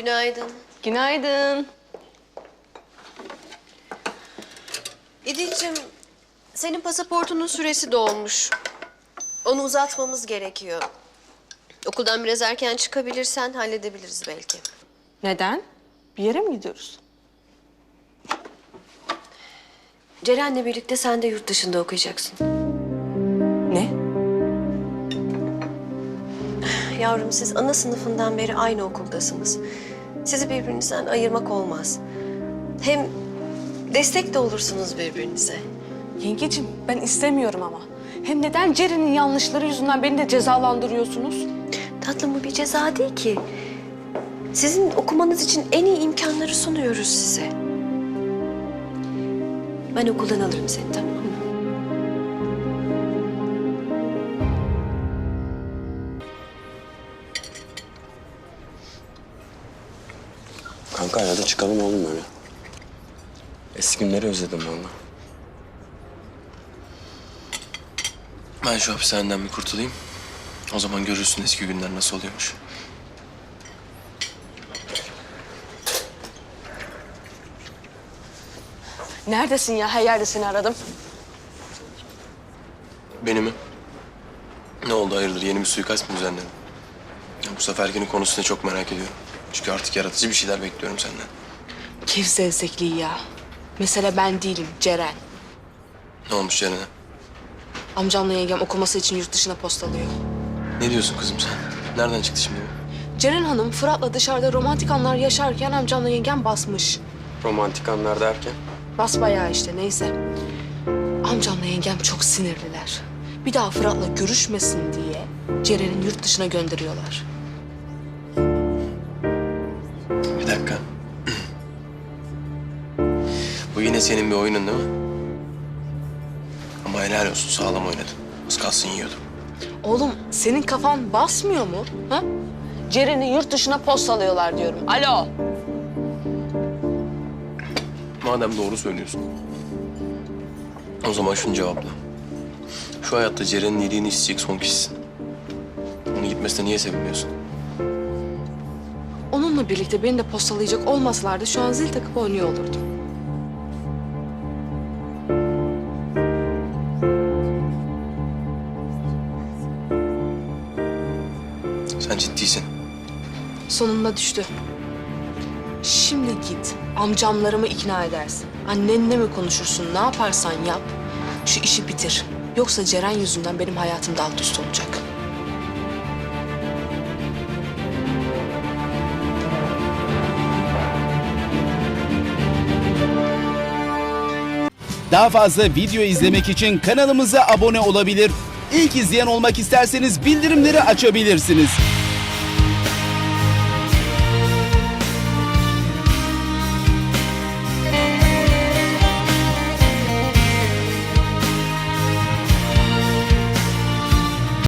Günaydın. Günaydın. İdil'cim, senin pasaportunun süresi dolmuş. Onu uzatmamız gerekiyor. Okuldan biraz erken çıkabilirsen halledebiliriz belki. Neden? Bir yere mi gidiyoruz? Ceren'le birlikte sen de yurt dışında okuyacaksın. Ne? Yavrum, siz ana sınıfından beri aynı okuldasınız. Sizi birbirinizden ayırmak olmaz. Hem destek de olursunuz birbirinize. Yengeciğim ben istemiyorum ama. Hem neden Ceren'in yanlışları yüzünden beni de cezalandırıyorsunuz? Tatlım, bu bir ceza değil ki. Sizin okumanız için en iyi imkanları sunuyoruz size. Ben okuldan alırım seni, tamam mı? Kanka hadi çıkalım oğlum öyle. Eski günleri özledim vallahi. Ben şu hapishaneden bir kurtulayım. O zaman görürsün eski günler nasıl oluyormuş. Neredesin ya? Her yerde seni aradım. Beni mi? Ne oldu hayırdır? Yeni bir suikast mı düzenledin? Ya bu seferkinin konusunu çok merak ediyorum. Çünkü artık yaratıcı bir şeyler bekliyorum senden. Keyif zevzekliği ya. Mesele ben değilim, Ceren. Ne olmuş Ceren'e? Amcamla yengem okuması için yurt dışına postalıyor. Ne diyorsun kızım sen? Nereden çıktı şimdi bu? Ceren Hanım Fırat'la dışarıda romantik anlar yaşarken amcamla yengem basmış. Romantik anlar derken? Basbayağı işte neyse. Amcamla yengem çok sinirliler. Bir daha Fırat'la görüşmesin diye Ceren'in yurt dışına gönderiyorlar. Bir dakika. Bu yine senin bir oyunun değil mi? Ama helal olsun, sağlam oynadın. Az kalsın yiyordum. Oğlum senin kafan basmıyor mu? Ha? Ceren'i yurt dışına postalıyorlar diyorum. Alo. Madem doğru söylüyorsun. O zaman şunu cevapla. Şu hayatta Ceren'in iyiliğini isteyecek son kişisin. Onun gitmesine niye sevinmiyorsun? Onunla birlikte beni de postalayacak olmasalardı şu an zil takıp oynuyor olurdum. Sen ciddisin. Sonunda düştü. Şimdi git amcamlarımı ikna edersin. Annenle mi konuşursun, ne yaparsan yap. Şu işi bitir. Yoksa Ceren yüzünden benim hayatım da alt üst olacak. Daha fazla video izlemek için kanalımıza abone olabilir. İlk izleyen olmak isterseniz bildirimleri açabilirsiniz.